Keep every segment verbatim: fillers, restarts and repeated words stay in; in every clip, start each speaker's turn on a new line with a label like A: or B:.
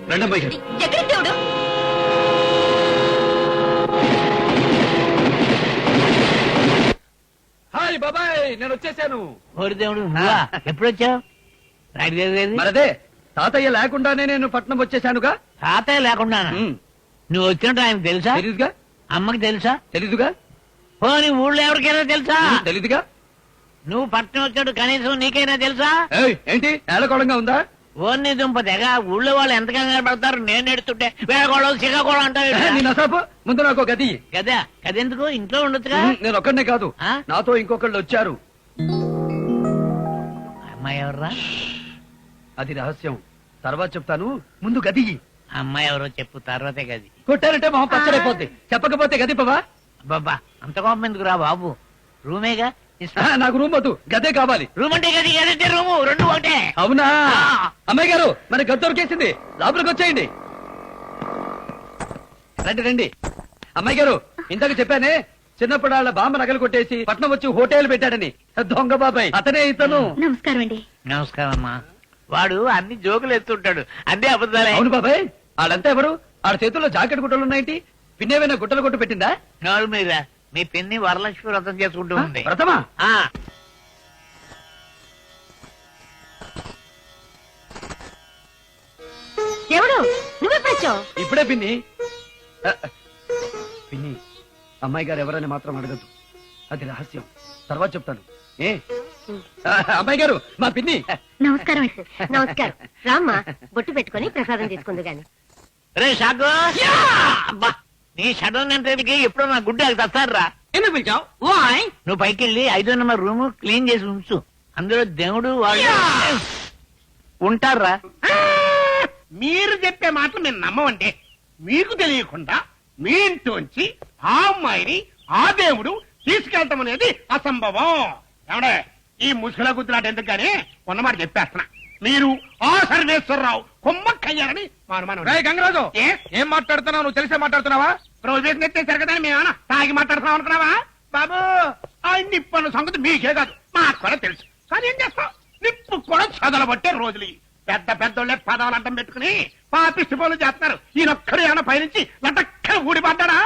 A: రెండమ్మాయి గారు.
B: ఎక్కడికి దేవుడు?
A: హాయ్ బాబాయ్, నేను వచ్చేసాను.
C: ఓరి దేవుడు, నువ్వా? ఎప్పుడు వచ్చావు?
A: మరదే తాతయ్య లేకుండానే నేను పట్నం వచ్చేసానుగా.
C: తాతయ్య లేకుండా
A: ఉమ్,
C: నువ్వు వచ్చినట్టు ఆయనకు తెలుసా?
A: తెలీదుగా.
C: అమ్మకి తెలుసా?
A: తెలీదుగా.
C: ఓ నీ ఊళ్ళో ఎవరికైనా తెలుసా?
A: ఉమ్, తెలీదుగా.
C: నువ్వు పట్నం వచ్చినట్టు కనీసం నీకైనా తెలుసా?
A: ఏయ్, ఏంటి ఏలకోళంగా ఉందా?
C: ఓన్ని దుంప తెగ ఊళ్ళో వాళ్ళు ఎంత కంగారు పడతారు. నేను ఎడుతుంటే వేళకోళం సిగకోళం అంటావు.
A: నేను అసాపు ముందు నాకు ఒక గది.
C: కదా కదెందుకు? ఇంట్లో ఉండొచ్చుగా.
A: ఉమ్, నేను ఒక్కడనే కాదు,
C: ఆ?
A: నాతో ఇంకొకళ్ళు వచ్చారు.
C: అమ్మాయి ఎవర్రా?
A: అది రహస్యం, తర్వాత చెప్తాను. ముందు గది.
C: అమ్మాయి ఎవరో చెప్పు, తర్వాతే గది.
A: కొట్టారంటే మొహం పచ్చడైపోద్ది, చెప్పకపోతే గది పవా.
C: బాబా అంత కోపం ఎందుకు రా బాబు? రూమేగా
A: ఆ, నాకు రూమ్ వద్దు, గదే కావాలి.
C: రూమ్ అంటే గది, గదంటే రూము, రెండు ఒకటే.
A: అవునా?
C: ఆ.
A: అమ్మాయి గారు, మన గది దొరికేసింది, లోపలికి వచ్చేయండి. రండి రండి. అమ్మాయి గారు, ఇంతకు చెప్పానే చిన్నప్పుడు వాళ్ళ బామ్మ నగలు కొట్టేసి పట్నం వచ్చి హోటల్ పెట్టాడని. దొంగ బాబాయ్ అతనే ఇతను.
B: నమస్కారం అండి.
C: నమస్కారం అమ్మా. వాడు అన్ని జోకులు ఎత్తుంటాడు, అన్ని అబద్ధాలే.
A: అవును బాబాయ్, వాళ్ళంతా ఎవరు? వాళ్ళ చేతుల్లో జాకెట్ గుట్టలు ఉన్నాయేంటి? పిన్నేమైనా గుట్టలు కొట్టు పెట్టిందా?
C: నోరు మీద మీ పిన్ని వరలక్ష్మి వ్రతం చేసుకుంటూ ఉంది.
A: వ్రతమా?
C: ఆ
B: దేవుడు, నువ్వెప్పుడు వచ్చావు?
A: ఇప్పుడే పిన్ని. ఆ, పిన్ని, అమ్మాయి గారు ఎవరని మాత్రం అడగద్దు, అది రహస్యం, తర్వాత చెప్తాను. ఏ ఆ, అమ్మాయి గారు, మా పిన్ని.
B: నమస్కారం అండి. నమస్కారం. రామ్మా, బొట్టు పెట్టుకొని ప్రసాదం తీసుకుందు గాని.
C: రే షాకు, అబ్బా నీ షడన్ అంటే ఎప్పుడో నా గుడ్డ తస్తారా?
A: ఎందుకు పిలిచావు?
C: నువ్వు పైకి వెళ్ళి ఐదో నెంబర్ రూమ్ క్లీన్ చేసి ఉంచు. అందులో దేవుడు వాళ్ళు ఉంటారా?
D: మీరు చెప్పే మాటలు మేము నమ్మమంటే, మీకు తెలియకుండా మీ ఇంట్లోంచి ఆ అమ్మాయిని ఆ దేవుడు తీసుకెళ్తాం అనేది అసంభవం. ఏమండే, ఈ ముసుగుల గుద్దులాట ఎందుకు గానీ ఉన్నమాట చెప్పేస్తున్నా. మీరు ఆ సర్వేశ్వరరావు కొమ్మక్కయ్యారని మా అనుమానం.
A: గంగరాజు,
D: ఏ?
A: ఏం మాట్లాడుతున్నావు? నువ్వు తెలిసే మాట్లాడుతున్నావా?
D: రోజు ఎత్తేసారు కదా, మేమేమన్నా తాగి మాట్లాడుతున్నాం అనుకున్నావా? బాబు, ఆ నిప్పు సంగతి మీకే కాదు, మాకు కూడా తెలుసు. కానీ ఏం చేస్తాం, నిప్పు కూడా చదలబట్టే రోజులు ఇవి. పెద్ద పెద్దోళ్ళే పదాలు అడ్డం పెట్టుకుని పాపిష్టి పనులు చేస్తున్నారు. ఈయనొక్కడు ఏమైనా పైనుంచి లటక్కన ఊడిపడ్డాడా?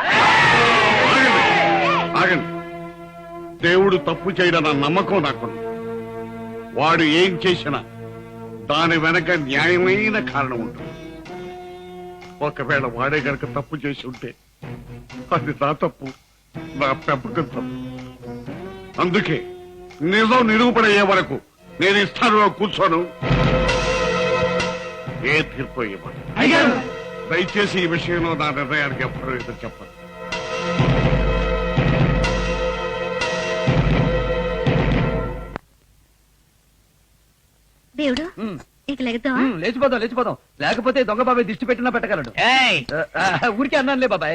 E: ఆగండి. దేవుడు తప్పు చేయడన్న నమ్మకం నాకుంది. వాడు ఏం చేసినా దాని వెనక న్యాయమైన కారణం ఉంటుంది. ఒకవేళ వాడే గనక తప్పు చేసి ఉంటే అది నా తప్పు, నా పెంపకం తప్పు. అందుకే నిజం నిరూపణయ్యే వరకు నేను ఈ స్థానంలో కూర్చోను. ఏ తీర్పు ఇవ్వను. దయచేసి ఈ విషయంలో నా నిర్ణయానికి ఎప్పుడూ ఎదురు చెప్పను.
B: దేవుడు, ఇక లెగతావా?
A: ఉమ్, లేచిపోదాం లేచిపోదాం, లేకపోతే దొంగ బాబాయ్ దిష్టి పెట్టినా పెట్టగలడు.
C: ఏయ్
A: ఆ, ఆ, ఊరికే అన్నానులే బాబాయ్.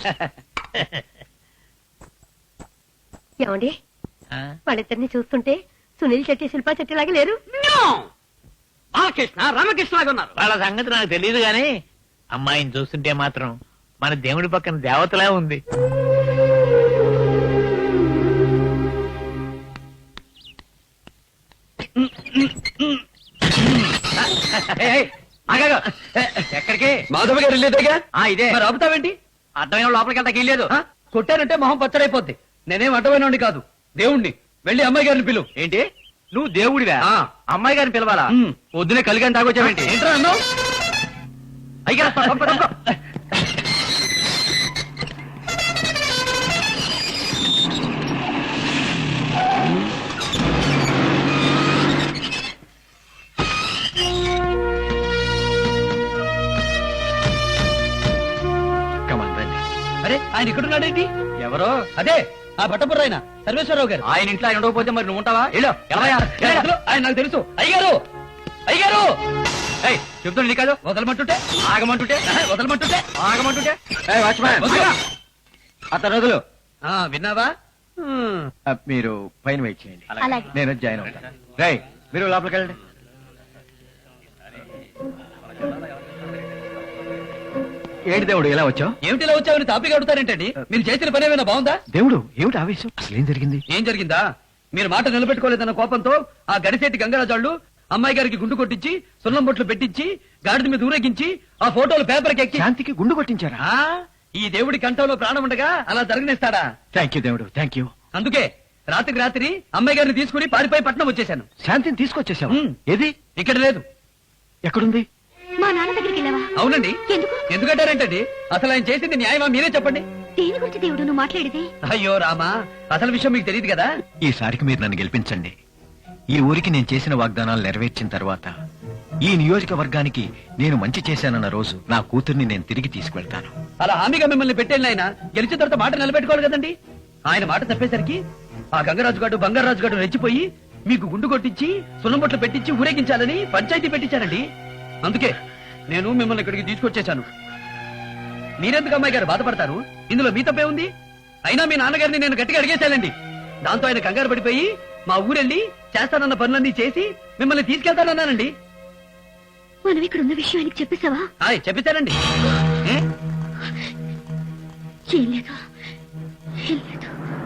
B: ఏమండి,
C: ఆ?
B: వాళ్ళిద్దరిని చూస్తుంటే సునీల్ చెట్టి శిల్పా చెట్టి లాగా లేరు?
A: బాలకృష్ణ రామకృష్ణ లాగా ఉన్నారు.
C: వాళ్ళ సంగతి నాకు తెలియదు గాని అమ్మాయిని చూస్తుంటే మాత్రం మన దేవుడి పక్కన దేవతలా ఉంది.
A: ఎక్కడికి? మాధవ గారు వెళ్ళేదేగా. ఇదే మరి ఆపుతావేంటి? అర్థమైన లోపలికి వెళ్తాకి వెళ్ళలేదు. కొట్టారంటే మొహం పచ్చడైపోద్ది. నేనేం అడ్డమైనోడిని కాదు, దేవుణ్ణి. వెళ్ళి అమ్మాయి గారిని పిలువు. ఏంటి నువ్వు దేవుడివా? అమ్మాయి గారిని పిలవాలా? పొద్దునే కలిగాని తాగొచ్చావేంటి? ఏంట్రా అన్నావు? అయ్యా అరే, ఆయన ఇక్కడున్నాడేంటి? ఎవరో అదే ఆ భట్టపుర్ర ఆయన సర్వేశ్వరరావు గారు. ఆయన ఇంట్లో ఆయన ఉండకపోతే మరి నువ్వు ఉంటావా? ఆయన నాకు తెలుసు. అయ్యారు అయ్యారు చెప్తాను నీ కాదు. వదలమంటుంటే ఆగమంటుంటే వదలమంటుంటే ఆగమంటుంటే అతను రోజులు విన్నావా?
F: మీరు పైన వెయిట్ చేయండి,
B: అలాగే.
F: నేను జాయిన్ అవుతాను. రై, మీరు లోపలికి వెళ్ళండి. ఏంటి దేవుడు ఇలా వచ్చావు?
A: ఏమిటి ఇలా వచ్చావని తాపిగా అడుగుతారేంటండి? మీరు చేసిన పని ఏమైనా బాగుందా?
F: దేవుడు ఏమిటి ఆవేశం? అసలు ఏం జరిగింది?
A: ఏం జరిగిందా? మీరు మాట నిలబెట్టుకోలేదన్న కోపంతో ఆ గడిసేటి గంగరాజాళ్ళు అమ్మాయి గారికి గుండు కొట్టించి సున్నం బొట్లు పెట్టించి గాడిద మీద ఊరేగించి ఆ ఫోటోలు పేపర్కి ఎక్కి
F: శాంతికి గుండు కొట్టించారా?
A: ఆ, ఈ దేవుడి కంఠంలో ప్రాణం ఉండగా అలా జరగనిస్తాడా?
F: థ్యాంక్ యూ దేవుడు, థ్యాంక్ యూ.
A: అందుకే రాత్రికి రాత్రి అమ్మాయి గారిని తీసుకుని పారిపోయి పట్నం వచ్చేశాను.
F: శాంతిని తీసుకొచ్చేసావు?
A: ఉమ్.
F: ఏది?
A: ఇక్కడ లేదు.
F: ఎక్కడుంది?
B: మా నాన్న దగ్గరికి వెళ్ళావా?
A: అవునండి.
B: ఎందుకు?
A: ఎందుకంటారేంటండి? అసలు ఆయన చేసింది న్యాయమా మీరే చెప్పండి.
B: దేని గురించి దేవుడు నువ్వు మాట్లాడేది?
A: అయ్యో రామా, అసలు విషయం మీకు తెలియదు కదా.
F: ఈసారికి మీరు నన్ను గెలిపించండి. ఈ ఊరికి నేను చేసిన వాగ్దానాలు నెరవేర్చిన తర్వాత ఈ నియోజకవర్గానికి నేను మంచి చేశానన్న రోజు నా కూతుర్ని నేను తిరిగి తీసుకువెళ్తాను.
A: అలా హామీగా మిమ్మల్ని పెట్టేళ్ళ ఆయన గెలిచిన తర్వాత మాట నిలబెట్టుకోవాలి కదండి. ఆయన మాట తప్పేసరికి ఆ గంగరాజు గారు బంగారాజు గారు రెచ్చిపోయి మీకు గుండు కొట్టించి సున్నబొట్లు పెట్టించి ఊరేగించాలని పంచాయతీ పెట్టించారండి. అందుకే నేను మిమ్మల్ని ఇక్కడికి తీసుకొచ్చేశాను. మీరెందుకు అమ్మాయి గారు బాధపడతారు? ఇందులో మీ తప్పే ఉంది. అయినా మీ నాన్నగారిని నేను గట్టిగా అడిగేశానండి. దాంతో ఆయన కంగారు పడిపోయి మా ఊరెళ్ళి చేస్తానన్న పనులన్నీ చేసి మిమ్మల్ని తీసుకెళ్తానన్నానండి.
B: మనం ఇక్కడ ఉన్న విషయం ఆయనకి చెప్పేశావా?
A: హాయ్ చెప్పేశానండి. ఏ?
B: ఏం లేదు, ఏం లేదు.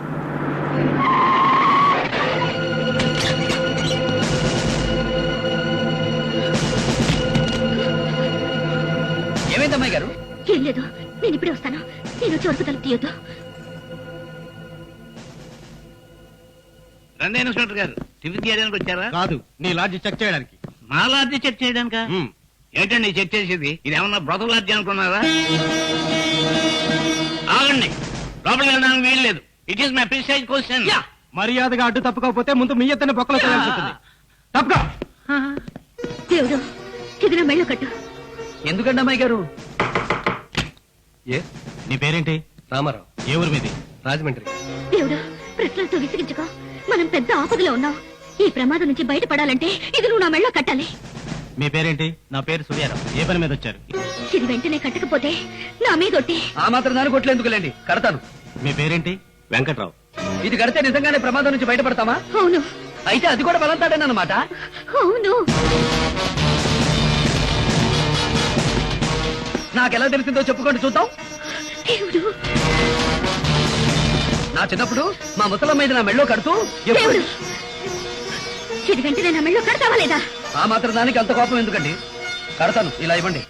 A: ఏమైంది అమ్మాయి గారు?
B: ఏం లేదు, నేను ఇప్పుడే వస్తాను. నేను వచ్చే వరకు తలుపు తీయొద్దు.
C: రండి ఇన్స్పెక్టర్ గారు, టిఫిన్ చేయడానికి వచ్చారా?
D: కాదు, నీ లాడ్జి చెక్ చేయడానికి.
C: మా లాడ్జి చెక్ చేయడానికా? ఏంటండి చెక్ చేసేది? ఇది ఏమన్నా బ్రతక లాడ్జి అనుకున్నారా? ఆగండి, లోపలికి వెళ్ళడానికి వీలు లేదు. It is my precise question.
D: మర్యాదగా అడ్డు తప్పుకోకపోతే ముందు మీ ఎత్తని బొక్కలో చేయాల్సి ఉంటుంది. తప్పుకో.
B: దేవుడు, ఇది నా మెళ్ళో కట్టు.
A: ఎందుకండి అమ్మాయి గారు?
D: నీ పేరేంటి? రామారావు. ఏ ఊరు మీది? రాజమండ్రి.
B: దేవుడు, ప్రశ్నలతో విసిగించుకో. మనం పెద్ద ఆపదలో ఉన్నాం. ఈ ప్రమాదం నుంచి బయటపడాలంటే ఇది నువ్వు నా మెళ్ళో కట్టాలి.
D: మీ పేరేంటి? నా పేరు సూర్యారావు. ఏ పని మీద వచ్చారు?
B: ఇది వెంటనే కట్టకపోతే నా మీద ఒట్టి.
A: ఆ మాత్రం దాని కొట్లేందుకులేండి, కడతాను.
D: మీ పేరేంటి? వెంకట్రావు.
A: ఇది కడితే నిజంగానే ప్రమాదం నుంచి బయటపడతామా?
B: అవును,
A: అయితే అది కూడా బలంతాడేనమాట.
B: అవును.
A: నాకెలా తెలిసిందో చెప్పుకోండి చూద్దాం.
B: దేవుడు,
A: నా చిన్నప్పుడు మా ముసలమ్మ ఇది నా మెళ్ళో కడుతూ ఎప్పుడు-
B: దేవుడు, ఇది వెంటనే నా మెళ్ళో కడతావా లేదా?
A: ఆ మాత్రం దానికి అంత కోపం ఎందుకండి? కడతాను, ఇలా ఇవ్వండి.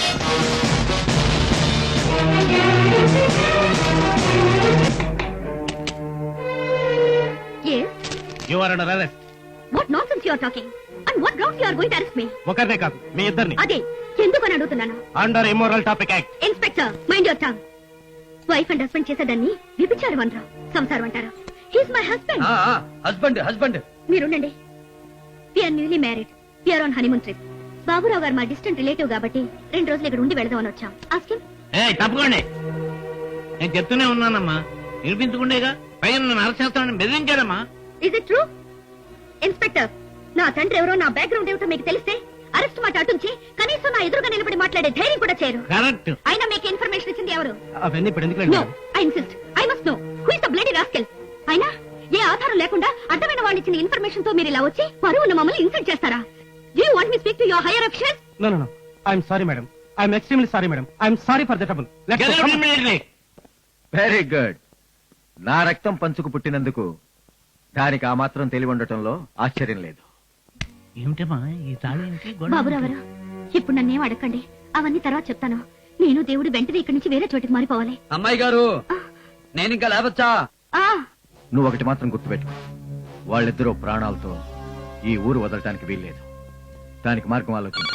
B: Yes.
D: You are under arrest.
B: What nonsense you are talking? And what grounds you are going to arrest me?
D: ఒకరినే కాదు, మీ ఇద్దరిని.
B: అదే ఎందుకని అడుగుతున్నాను.
D: Under immoral topic act.
B: Inspector, mind your tongue. Wife and husband చేసేదాన్ని విభిచారం అనరు, సంసారం అంటారు. He's my husband.
A: Husband husband
B: మీరుండండి. We're newly married. We're on honeymoon trip. Baburao గారు మా డిస్టెంట్ రిలేటివ్ కాబట్టి రెండు రోజులు ఇక్కడ ఉండి వెళదామని వచ్చాం. Ask him.
C: ఏ తప్పకోండి, నేను చెప్తూనే ఉన్నానమ్మా, వినిపించుకుండేగా. పైన నన్ను అరెస్ట్ చేస్తానని బెదిరించాడమ్మా.
B: Is it true? ఇన్స్పెక్టర్, నా తండ్రి ఎవరో నా బ్యాక్గ్రౌండ్ ఏమిటో మీకు తెలిస్తే అరెస్ట్ మాట అటుంచి కనీసం నా ఎదురుగా నిలబడి మాట్లాడే ధైర్యం కూడా చేయరు.
C: కరెక్ట్.
B: అయినా మీకు ఇన్ఫర్మేషన్ ఇచ్చింది ఎవరు?
D: అవన్నీ ఇప్పుడు ఎందుకు?
B: No, I insist. I must know who is the bloody rascal. అయినా ఏ ఆధారం లేకుండా అడ్డమైన వాళ్ళు ఇచ్చిన ఇన్ఫర్మేషన్ తో మీరు ఇలా వచ్చి పరువును మమ్మల్ని ఇన్సల్ట్ చేస్తారా? Do you want me to speak to your higher officials?
D: No, no, no. I'm sorry, madam. I'm extremely sorry, madam. I'm sorry for the trouble. Let's
C: Get
D: go.
C: out
D: Come on.
C: immediately.
F: Very good. నా రక్తం పంచుకు పుట్టినందుకు దానికి ఆ మాత్రం తెలివి ఉండటంలో ఆశ్చర్యం లేదు.
C: ఏమిటమ్మా ఈ తాళి ఏంటి? గొడవ
B: బాబురావు గారు, ఇప్పుడు నన్నేం అడగండి. అవన్నీ తర్వాత చెప్తాను. నేను దేవుడు వెంటనే ఇక్కడి నుంచి వేరే చోటికి మారిపోవాలి.
A: అమ్మాయి గారు, నేను ఇంకా లేవచ్చా?
B: ఆ
F: నువ్వు ఒకటి మాత్రం గుర్తుపెట్టుకో, వాళ్ళిద్దరూ ప్రాణాలతో ఈ ఊరు వదలటానికి వీల్లేదు. దానికి మార్గం ఆలోచించు.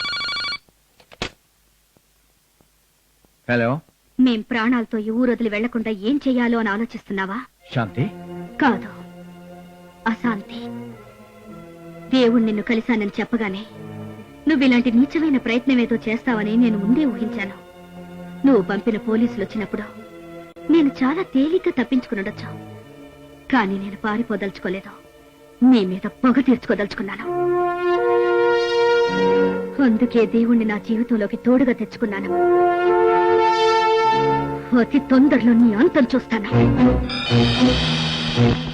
F: హలో,
B: మేం ప్రాణాలతో ఈ ఊరు వదిలి వెళ్లకుండా ఏం చెయ్యాలో అని ఆలోచిస్తున్నావా?
F: శాంతి.
B: కాదు, అశాంతి. దేవుడు నిన్ను కలిశానని చెప్పగానే నువ్వు ఇలాంటి నీచమైన ప్రయత్నం ఏదో చేస్తావని నేను ముందే ఊహించాను. నువ్వు పంపిన పోలీసులు వచ్చినప్పుడు నేను చాలా తేలిగ్గా తప్పించుకునుండొచ్చు. కానీ నేను పారిపోదలుచుకోలేదు. నీ మీద పొగ తీర్చుకోదలుచుకున్నాను. అందుకే దేవుణ్ణి నా జీవితంలోకి తోడుగా తెచ్చుకున్నాను. అతి తొందరలో నీ అంతం చూస్తాను.